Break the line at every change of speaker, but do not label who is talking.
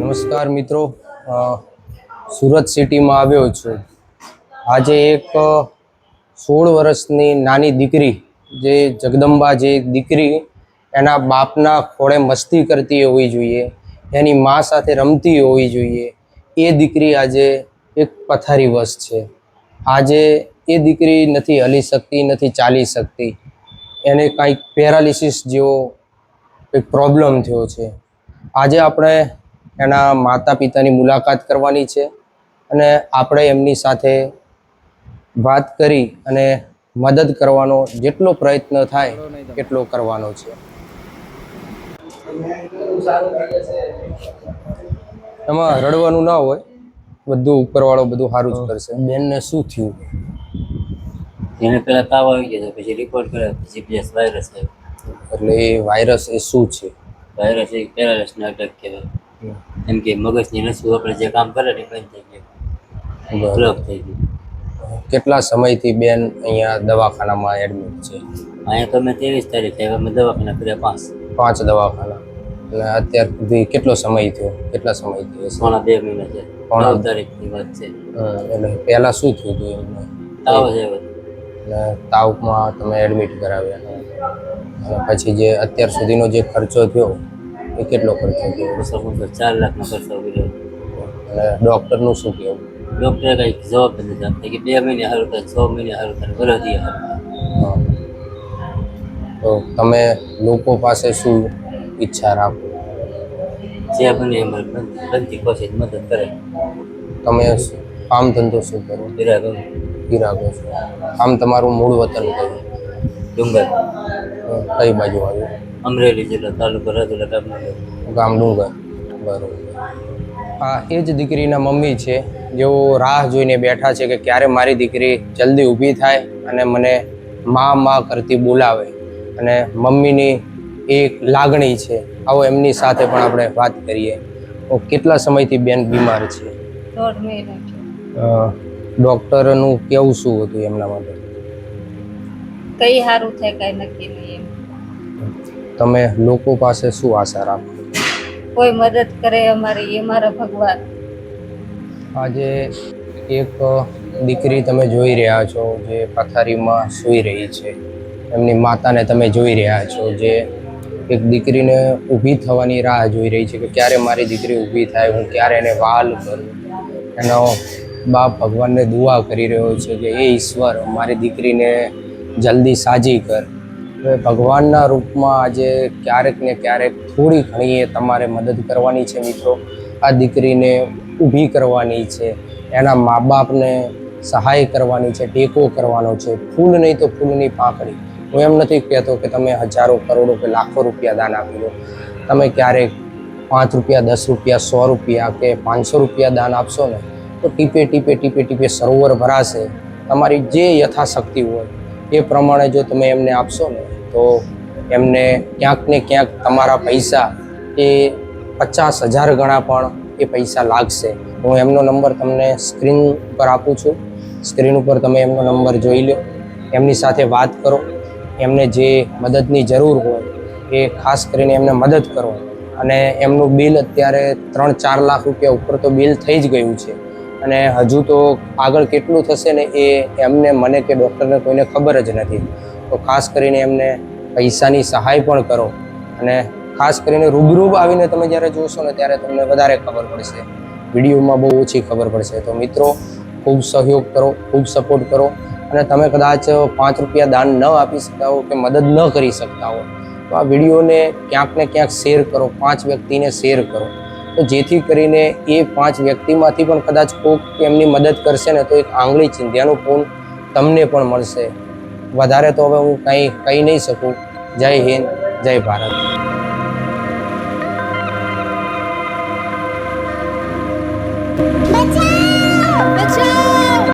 નમસ્કાર મિત્રો, સુરત સિટીમાં આવ્યો છું. આજે એક 16 વર્ષની નાની દીકરી, જે જગદંબા જે દીકરી એના બાપના ખોળે મસ્તી કરતી હોવી જોઈએ, એની મા સાથે રમતી હોવી જોઈએ, એ દીકરી આજે એક પથારીવશ છે. આજે એ દીકરી નથી હલી શકતી, નથી ચાલી શકતી. એને કાંઈક પેરાલિસિસ જેવો એક પ્રોબ્લેમ થયો છે. આજે આપણે એના માતા પિતાની મુલાકાત કરવાની છે અને આપણે એમની સાથે વાત કરી અને મદદ કરવાનો જેટલો પ્રયત્ન થાય એટલો કરવાનો છે. એમાં રડવાનું ના હોય, બધું ઉપરવાળો બધું સારું જ કરશે. બેનને શું થયું?
એને પહેલા તાવ આવી ગયો, પછી રિપોર્ટ કર્યો, જીપીએસ વાયરસ આવ્યો.
એટલે એ વાયરસ એ શું છે?
વાયરસ એક પેરાલિસનો અટેક કહેવાય. એમ કે મગજની નસું આપણે જે કામ કરે ને બંધ થઈ ગયું, બ્લોક થઈ ગયું.
કેટલા સમયથી બેન અહીંયા દવાખાનામાં એડમિટ છે?
અહીંયા તો મેં 23 તારીખે આવ્યા, મેં દવાખાના કર્યા
5 દવાખાના. અને અત્યાર સુધી કેટલો સમય થયો? કેટલા સમય થયો?
પોણા 2 મહિના છે. 9 તારીખની વાત છે.
એટલે પહેલાં શું થયું હતું એમને?
તાવ જ આવ્યો.
અને તાવમાં તમે એડમિટ કરાવ્યા, અને પછી જે અત્યાર સુધીનો જે ખર્ચો થયો એ કેટલો ખર્ચો થયો?
4 લાખનો ખર્ચો કર્યો.
અને ડૉક્ટરનું શું કહેવું?
ડૉક્ટરે કંઈક જવાબ નથી આપતા કે 2 મહિને સારું થાય, 6 મહિને સારું થાય, વરસથી સારું થાય.
તો તમે લોકો પાસે શું ઈચ્છા રાખો?
જે બને એમાં બનતી કોશિશ મદદ કરે.
તમે કામ ધંધો શું કરો? ગિરાગો છો. આમ તમારું મૂળ વતન કયું?
ડુંગર.
કઈ બાજુ આવ્યું?
અમરેલી જિલ્લો, તાલુકો રાજુલા,
ગામ ડુંગર. બરોબર. હા, એ જ દીકરીના મમ્મી છે, જેઓ રાહ જોઈને બેઠા છે કે ક્યારે મારી દીકરી જલ્દી ઊભી થાય અને મને મા કરતી બોલાવે. અને મમ્મીની એક લાગણી છે. આવો એમની સાથે પણ આપણે વાત કરીએ. કેટલા સમયથી બેન બીમાર છે?
1.5 મહિના.
ડૉક્ટરનું કેવું શું હતું એમના માટે?
કઈ સારું થાય કઈ નક્કી નહીં.
તમે લોકો પાસે શું આશા રાખો?
કોઈ મદદ કરે અમારી, એ મારા ભગવાન.
આજે એક દીકરી તમે જોઈ રહ્યા છો, જે પથારીમાં સૂઈ રહી છે. એમની માતાને તમે જોઈ રહ્યા છો, જે એક દીકરીને ઊભી થવાની રાહ જોઈ રહી છે કે ક્યારે મારી દીકરી ઊભી થાય, હું ક્યારે એને વહાલ કરું. એનો બાપ ભગવાનને દુઆ કરી રહ્યો છે કે એ ઈશ્વર મારી દીકરીને જલ્દી સાજી કર. હવે ભગવાનના રૂપમાં આજે ક્યારેક ને ક્યારેક થોડી ઘણી તમારે મદદ કરવાની છે મિત્રો. આ દીકરીને ઊભી કરવાની છે, એના મા બાપને સહાય કરવાની છે, ટેકો કરવાનો છે. ફૂલ નહીં તો ફૂલની પાંખડી. હું એમ નથી કહેતો કે તમે હજારો, કરોડો કે લાખો રૂપિયા દાન આપી દો. તમે ક્યારેક 5 રૂપિયા, 10 રૂપિયા, 100 રૂપિયા કે 500 રૂપિયા દાન આપશો ને, તો ટીપે ટીપે ટીપે ટીપે સરોવર ભરાશે. તમારી જે યથાશક્તિ હોય એ પ્રમાણે જો તમે એમને આપશો ને, તો એમને ક્યાંક ને ક્યાંક તમારા પૈસા એ 50,000 ગણા પણ એ પૈસા લાગશે. હું એમનો નંબર તમને સ્ક્રીન ઉપર આપું છું. સ્ક્રીન ઉપર તમે એમનો નંબર જોઈ લો, એમની સાથે વાત કરો. એમને જે મદદની જરૂર હોય એ ખાસ કરીને એમને મદદ કરો. અને એમનું બિલ અત્યારે 3-4 લાખ રૂપિયા ઉપર તો બિલ થઈ જ ગયું છે. અને હજુ તો આગળ કેટલું થશે ને એ એમને, મને કે ડૉક્ટરને કોઈને ખબર જ નથી. તો ખાસ કરીને એમને પૈસાની સહાય પણ કરો. અને ખાસ કરીને રૂબરૂ આવીને તમે જ્યારે જોશો ને ત્યારે તમને વધારે ખબર પડશે. વિડીયોમાં બહુ ઓછી ખબર પડશે. તો મિત્રો, ખૂબ સહયોગ કરો, ખૂબ સપોર્ટ કરો. અને તમે કદાચ 5 રૂપિયા દાન ન આપી શકતા હો કે મદદ ન કરી શકતા હો, તો આ વિડીયોને ક્યાંક ને ક્યાંક શેર કરો, 5 વ્યક્તિને શેર કરો. તો જેથી કરીને એ 5 વ્યક્તિમાંથી પણ કદાચ કોઈક એમની મદદ કરશે ને, તો એક આંગળી ચીંધ્યાનું પૂન તમને પણ મળશે. વધારે તો હવે હું કંઈ કહી નહીં શકું. જય હિન્દ, જય ભારત.